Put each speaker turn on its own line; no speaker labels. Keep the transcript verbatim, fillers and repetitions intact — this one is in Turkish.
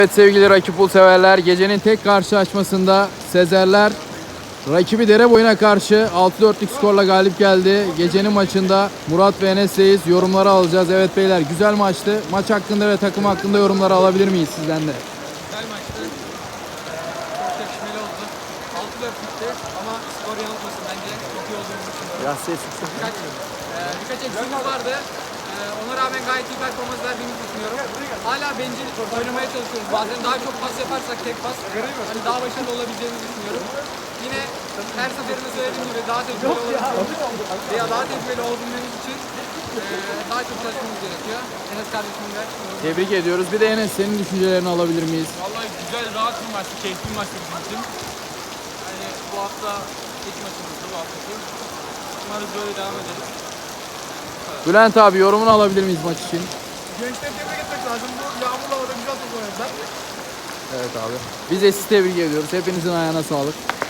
Evet sevgili rakip pul severler, gecenin tek karşılaşmasında Sezerler rakibi Dereboyu'na karşı altı dörtlük skorla galip geldi. Gecenin maçında Murat ve Enes'teyiz. Yorumları alacağız. Evet beyler, güzel maçtı. Maç hakkında ve takım hakkında yorumları alabilir miyiz sizden de?
Güzel maçtı. Çok çekişmeli oldu. altı dört bitti ama skor yanıltmasın, bence çok iyi olduğunu düşünüyorum.
Biraz ses yüksek.
Birkaç, e, birkaç eksiğimiz vardı. E, ona rağmen gayet iyi performans verdiğimizi düşünüyorum. Hala bencil oynamaya çalışıyoruz. Bazen daha çok pas yaparsak tek pas hani daha başarılı olabileceğimizi düşünüyorum. Yine her seferinde söylediğim gibi daha tecrübeli olabilmemiz veya daha tecrübeli olabilmemiz için e, daha çok çalışmamız gerekiyor. Enes kardeşimle yorum.
Tebrik ediyoruz. Bir de Enes, senin düşüncelerini alabilir miyiz?
Vallahi güzel, rahat bir maçtı, keyifli bir maçtı bizim için. Yani bu hafta ilk maçımızdı bu haftaki. Umarız böyle devam ederiz.
Bülent abi, yorumunu alabilir miyiz maç için?
Gençleri tebrik etmek lazım. Bu yağmurlu havada güzel top oynadılar.
Evet abi. Biz de sizi tebrik ediyoruz. Hepinizin ayağına sağlık.